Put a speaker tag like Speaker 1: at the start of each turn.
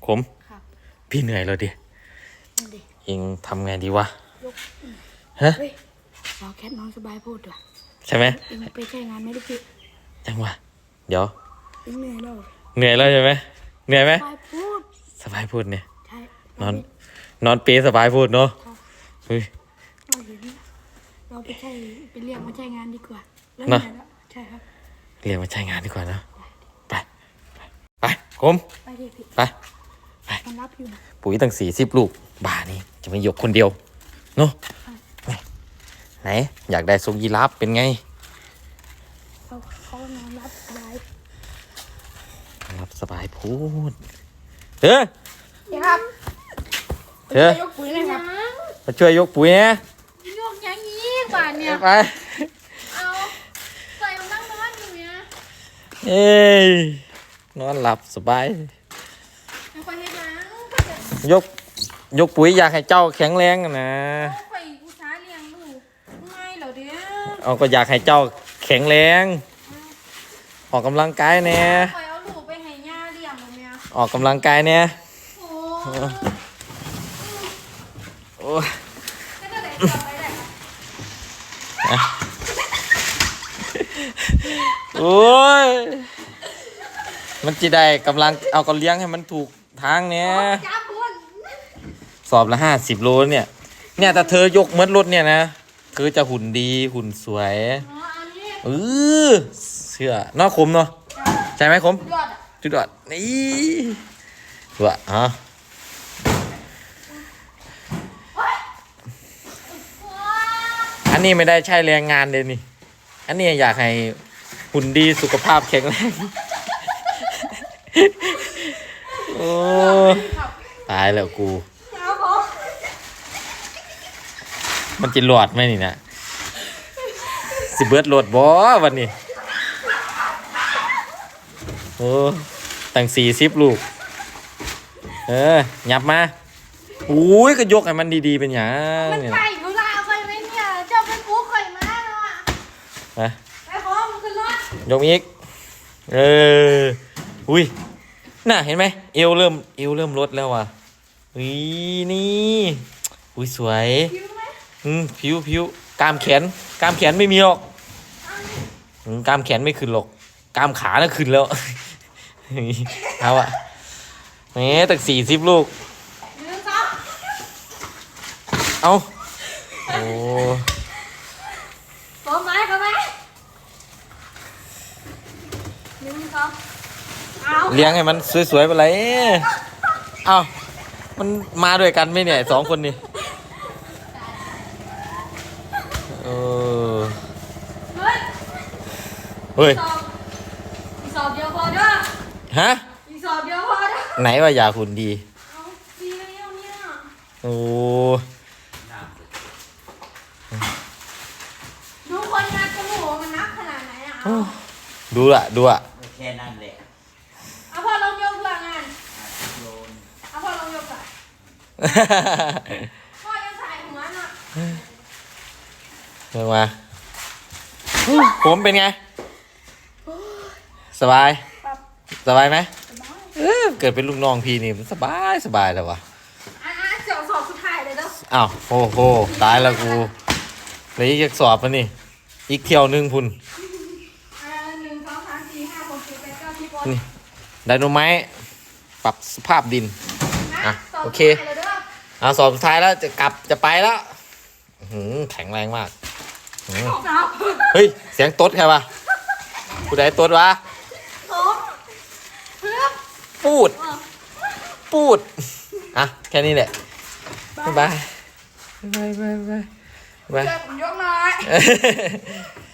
Speaker 1: ขมพี่เหนื่อยแล้วดิเองทำไงดีวะฮะ
Speaker 2: เราแค่นอนสบายพูดด้วย
Speaker 1: ใช่ไหม
Speaker 2: เองไปใช้งานไม่ได้พี่
Speaker 1: จังวะเดี๋ยว
Speaker 2: เหนื่อยแล้ว
Speaker 1: ใช่ไหมเหนื่อยไหม
Speaker 2: สบายพูด
Speaker 1: เนี่ย
Speaker 2: ใช่
Speaker 1: นอนเปสบายพูดเนาะเฮ้ย
Speaker 2: เราไปเรียกมาใช้งานดีกว่า
Speaker 1: นะ
Speaker 2: ใช่ครับ
Speaker 1: เรียกมาใช้งานดีกว่านะไปคม
Speaker 2: ไปดิพี่
Speaker 1: ไป
Speaker 2: มันรับอยู่
Speaker 1: ปุ๋ยตั้ง40 ลูกบ่านี่จะไม่ยกคนเดียวเนาะไหนอยากได้ทรงยีราฟเป็นไง
Speaker 2: เขานอนรับ
Speaker 1: สบายพูดเฮ้ย
Speaker 2: ครับช่วยยกปุ๋ยเลยครับ
Speaker 1: มาช่วยยกปุ๋ยนะ
Speaker 2: ยกอย่างนี้กว่าเนี่ย
Speaker 1: ไป
Speaker 2: เอาใส่มันนั่งนอนอยู่เนี่ย
Speaker 1: เอ้ยนอนหลับสบายยกปุ๋ยอยากให้เจ้าแข็งแรงนะ
Speaker 2: ไปอุตสาห์เลี้ยงลูกง่ายเหรอเด้อ
Speaker 1: เอาก็อยากให้เจ้าแข็งแรงออกกำลังกายแน่
Speaker 2: ไปเอาลูกไปให้ย่าเลี้ยงเนี่ย
Speaker 1: ออกกำลังกายแน่โอ้โอ้ยมันจะได้กำลังเอาก็เลี้ยงให้มันถูกทางเนี่ยสอบละ50 โลเนี่ยแต่เธอยกเหมือนรถเนี่ยนะเธอจะหุ่นดีหุ่นสวยเชื่อนอกคมเนาะใช่ไหมคมจุดยอดนี่วะฮะอันนี้ไม่ได้ใช้แรงงานเลยนี่อันนี้อยากให้หุ่นดีสุขภาพแข็งแรงโอ้ตายแล้วกูมันจะหลอดไหมนี่นะสิเบิร์ดโหลดบอวันนี้โอ้ตั้ง40 ลูกหยับมาอุ้ยก็ยกให้มันดีๆเป็นอย่าง
Speaker 2: มันไก่กูลาไปไหมเนี่ยเจ้าเป็นกูข่อยมาแล้วอ่ะไปพร้อมขึ้นรถ
Speaker 1: ยกอีกอุ้ยน่ะเห็นไหมเอวเริ่มลดแล้วว่ะนี่อุ้ยสวยผิวกล้ามแขนไม่มีหรอกกล้ามแขนไม่ขึ้นหรอกกล้ามขาน่ะขึ้นแล้วเอาอะนี่ตั้ง40 ลูกเอาโอ้
Speaker 2: พร้อมไหมเอา
Speaker 1: เลี้ยงให้มันสวยๆไปเลยเอามันมาด้วยกันไหมเนี่ย2 คนนี่เฮ้ย
Speaker 2: อีสอบเดียวพอเด้อ
Speaker 1: ฮะ
Speaker 2: อีสอบเดียวพอเด้อ
Speaker 1: ไหนว่าอยากหุ่นดี
Speaker 2: ดีแล้วเนี่ย
Speaker 1: โอ้
Speaker 2: ดูคนนับจมูกมันนับขนาดไหนอ่ะ
Speaker 1: ดูอะ
Speaker 3: แค่นั้นแหละ
Speaker 2: เอาพอลงยกหลังงานเอาพอลงยกก่อนพ่อจะใส่หัวน่ะ
Speaker 1: เดินมาผมเป็นไงสบายไหมเกิดเป็นลูกน้องพี่นี่มันสบายเลยวะ
Speaker 2: เดี๋ยวสอบสุดท้ายเลยเด้อ
Speaker 1: อ้าวโอ้โหตายแล้วกูเลยอีกสอบมันนี่อีกเที่ยวนึงพุ่น
Speaker 2: 1 2 3 4 5 6 7 8 9 10
Speaker 1: นี่ไดโนไม้ปรับสภาพดินโอเคสอบสุดท้ายแล้วจะไปแล้วแข็งแรงมากเฮ้ยเสียงต๊ดใครวะผู้ใดต๊ดวะพูดแค่นี้แหละบ๊ายบาย
Speaker 2: ยกหน่อย